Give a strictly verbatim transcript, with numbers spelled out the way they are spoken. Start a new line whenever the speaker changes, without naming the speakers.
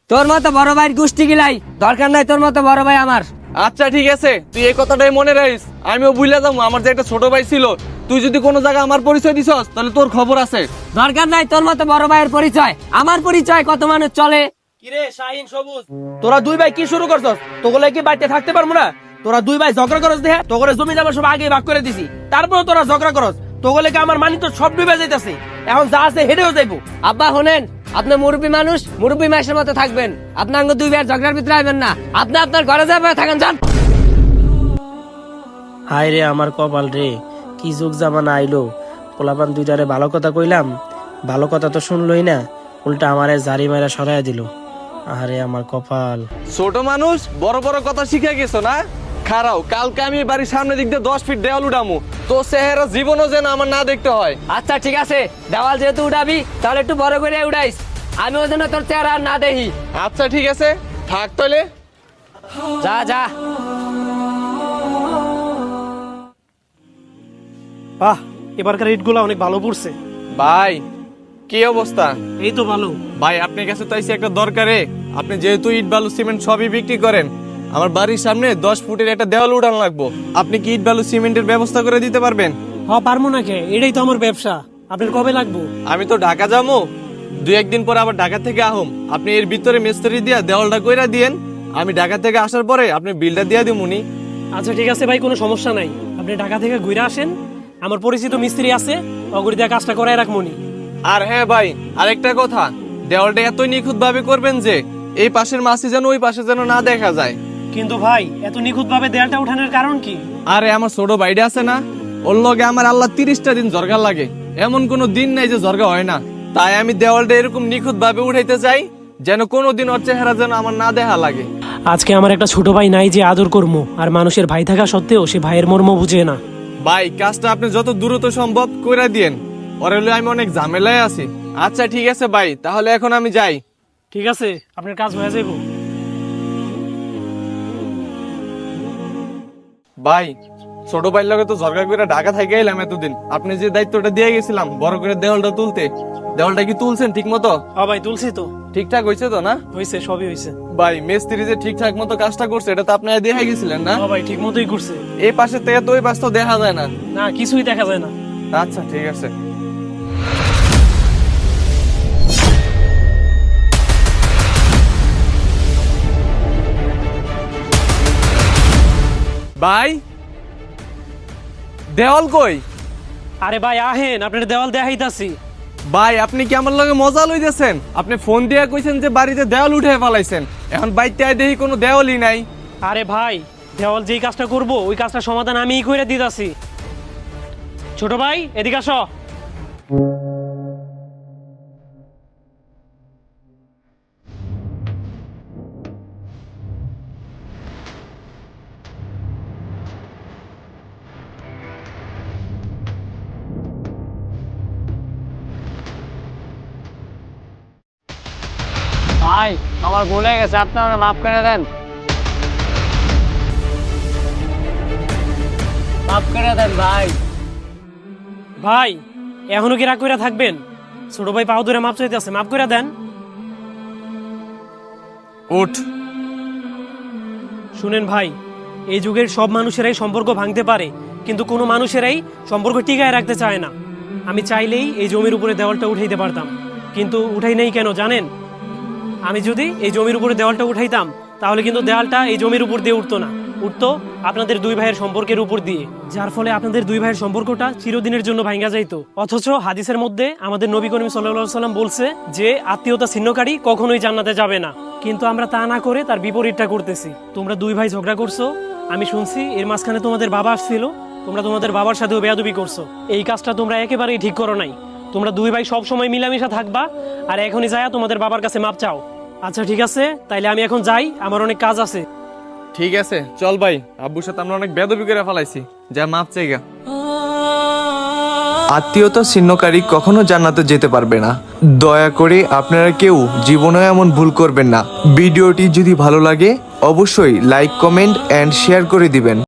তোর মতো বড় ভাইয়ের গোষ্ঠী গিলাই দরকার নাই, তোর মতো বড় ভাই আমার।
আচ্ছা ঠিক আছে, তুই এই কথাটাই মনে রাখিস। আমিও বুঝলে যাবো আমার যে একটা ছোট ভাই ছিল, তুই যদি কোনো জায়গায় আমার পরিচয় দিছস তাহলে তোর খবর আছে।
দরকার নাই তোর মতো বড় ভাইয়ের পরিচয়, আমার পরিচয় কত মানুষ চলে।
কিরে শাহিন সবুজ, তোরা দুই ভাই কি শুরু করছস? তোগুলো কি বাড়িতে থাকতে পারবো না? তোরা দুই ভাই ঝগড়া করস দেখে তোগুলো জমি জমা সব আগে ভাগ করে দিছি, তারপর তোরা ঝগড়া করস। তোগুলো কি আমার মানি তো সব ডুবে যাইতাছে, এখন যা আছে হেডেও যাইবো।
আব্বা শোনেন, আপনি মুরব্বী মানুষ, মুরব্বী মাসের মতো থাকবেন। আপনার দুই ভাইয়ের ঝগড়ার ভিতরে আইবেন না, আপনি আপনার ঘরে যাবে থাকেন, যান।
হায় রে আমার কপাল রে, কি যুগ জামানা আইলো। পোলাপান দুইটারে ভালো কথা কইলাম, ভালো কথা তো শুনলই না, উল্টা আমারে জারি মাইরা সরাইয়া দিল। আরে আমার কপাল।
ছোট মানুষ বড় বড় কথা শিখে গেছো না? খারাও, কালকে আমি বাড়ির সামনে দিক দিয়ে দশ ফিট দেওয়াল উঠামু, তো চেহারা জীবনও যেন আমার না দেখতে হয়।
আচ্ছা ঠিক আছে, দেওয়াল যেহেতু উঠাবি তাহলে একটু বড় করে উঠাইস, আমি ওই জন্য তোর চেহারা আর না দেখি।
আচ্ছা ঠিক আছে, থাক তাহলে।
যা যা।
বাহ, এবারকার ইট গুলা অনেক ভালো পড়ছে।
ভাই কি অবস্থা?
এই তো ভালো।
ভাই আপনার কাছে তো আইছি একটা দরকারে। আপনি যেহেতু ইট বালু সিমেন্ট সবই বিক্রি করেন, আমার বাড়ির সামনে দশ ফুটের একটা দেওয়াল উঠানো লাগবো। আপনি কি ইট বালু সিমেন্টের ব্যবস্থা করে দিতে পারবেন?
হ পারবো না কে, এটাই তো আমার ব্যবসা। আপনার কবে লাগবো?
আমি তো ঢাকা যাবো, দুই একদিন পরে আবার ঢাকা থেকে আহম। আপনি এর ভিতরে মিস্ত্রি দিয়া দেওয়ালটা কইরা দিয়েন, আমি ঢাকা থেকে আসার পরে আপনি বিলটা দিয়া দিমুনি।
আচ্ছা ঠিক আছে ভাই, কোনো সমস্যা নাই। আপনি ঢাকা থেকে ঘুরে আসেন, আমার পরিচিত মিস্ত্রি আছে, অগরি দিয়ে কাজটা করাই রাখমনি।
আর হ্যাঁ ভাই, আরেকটা কথা, দেওয়ালটা এত নিখুঁত ভাবে করবেন যে এই পাশের মাছি যেন ওই পাশে যেন না দেখা যায়।
কিন্তু ভাই এত নিখুঁত ভাবে দেয়ালটা উঠানোর কারণ কি?
আরে আমার ছোট ভাইটা আছে না, ওর লগে আমার আল্লাহ তিরিশটা দিন জর্গা লাগে, এমন কোনো দিন নাই যে জর্গা হয় না। তাই আমি দেওয়ালটা এরকম নিখুঁত ভাবে উঠাইতে চাই যেন কোনোদিন ওর চেহারা যেন আমার না দেখা লাগে।
আজকে আমার একটা ছোট ভাই নাই যে আদর করবো, আর মানুষের ভাই থাকা সত্ত্বেও সে ভাইয়ের মর্ম বুঝে না।
ভাই কাজটা আপনি যত দ্রুত সম্ভব কইরা দিয়েন, ওর হলে আমি অনেক ঝামেলায় আছি। আচ্ছা ঠিক আছে ভাই, তাহলে এখন আমি যাই।
ঠিক আছে, আপনার কাজ হয়ে যাইব।
ভাই ছোট ভাইয়ের লগে তো ঝরগা করে ঢাকা থেকে এলাম এতদিন, আপনি যে দায়িত্বটা দিয়ে গেছিলাম বড় করে দেওয়ালটা তুলতে, দেওয়ালটা কি তুলছেন ঠিক মতো?
হ্যাঁ ভাই তুলছি তো।
ঠিকঠাক হয়েছে তো না?
হয়েছে, সবই হয়েছে।
ভাই মিস্ত্রি যে ঠিকঠাক মতো কাজটা করছে এটা তো আপনারা দেখে গেছিলেন না?
হ্যাঁ ভাই ঠিক মতোই করছে।
এই পাশে থেকে তো ওই পাশ তো দেখা যায় না।
না কিছুই দেখা যায় না।
আচ্ছা ঠিক আছে। ভাই দেওয়াল কই?
আরে ভাই আহেন, আপনার দেওয়াল দেখাইতাছি।
ভাই আপনি কি আমার লগে মজা লইতেছেন? আপনি ফোন দিয়ে কইছেন যে বাড়িতে দেওয়াল উঠে ফেলাইছেন, এখন বাইতে আই দেখি কোনো দেওয়ালই নাই।
আরে ভাই দেওয়াল যেই কাজটা করব ওই কাজটা সমাধান আমিই করে দিতাছি। ছোট ভাই এদিকে আসো।
ভাই আমার ভুল হয়ে গেছে, আপনারা মাফ করে দেন, মাফ করে দেন ভাই।
ভাই এখনো কি রাগ করে থাকবেন? ছোট ভাই পাও ধরে মাপ চাইতেছে, মাফ করে দেন।
উঠ।
শুনেন ভাই, এই যুগের সব মানুষেরাই সম্পর্ক ভাঙতে পারে, কিন্তু কোনো মানুষেরাই সম্পর্ক টিকায় রাখতে চায় না। আমি চাইলেই এই জমির উপরে দেওয়ালটা উঠাইতে পারতাম, কিন্তু উঠাই নেই কেন জানেন? আমি যদি এই জমির উপরে দেওয়ালটা উঠাইতাম তাহলে কিন্তু দেওয়ালটা এই জমির উপর দিয়ে উঠতো না, উঠতো আপনাদের দুই ভাইয়ের সম্পর্কের উপর দিয়ে, যার ফলে আপনাদের দুই ভাইয়ের সম্পর্কটা চিরদিনের জন্য ভাঙ্গা যাইতো। অথচ হাদিসের মধ্যে আমাদের নবী করিম সাল্লাল্লাহু সাল্লাম বলছে যে আত্মীয়তা ছিন্নকারী কখনোই জান্নাতে যাবে না, কিন্তু আমরা তা না করে তার বিপরীতটা করতেছি। তোমরা দুই ভাই ঝগড়া করছো, আমি শুনছি এর মাঝখানে তোমাদের বাবা আসছিল, তোমরা তোমাদের বাবার সাথেও বেয়াদবি করছো। এই কাজটা তোমরা একেবারেই ঠিক করো নাই। তোমরা দুই ভাই সব সময় মিলামিশা থাকবা, আর এখনই যায়া তোমাদের বাবার কাছে মাপ চাও। আচ্ছা ঠিক আছে, তাইলে আমি এখন যাই, আমার অনেক কাজ আছে।
ঠিক আছে চল ভাই, আব্বুর সাথে আমরা অনেক বেদবি করে ফেলাইছি, যা মাপ চাইগা।
আত্মীয়তা ছিন্নকারী কখনো জান্নাতে যেতে পারবে না। দয়া করে আপনারা কেউ জীবনে এমন ভুল করবেন না। ভিডিওটি যদি ভালো লাগে অবশ্যই লাইক, কমেন্ট এন্ড শেয়ার করে দিবেন।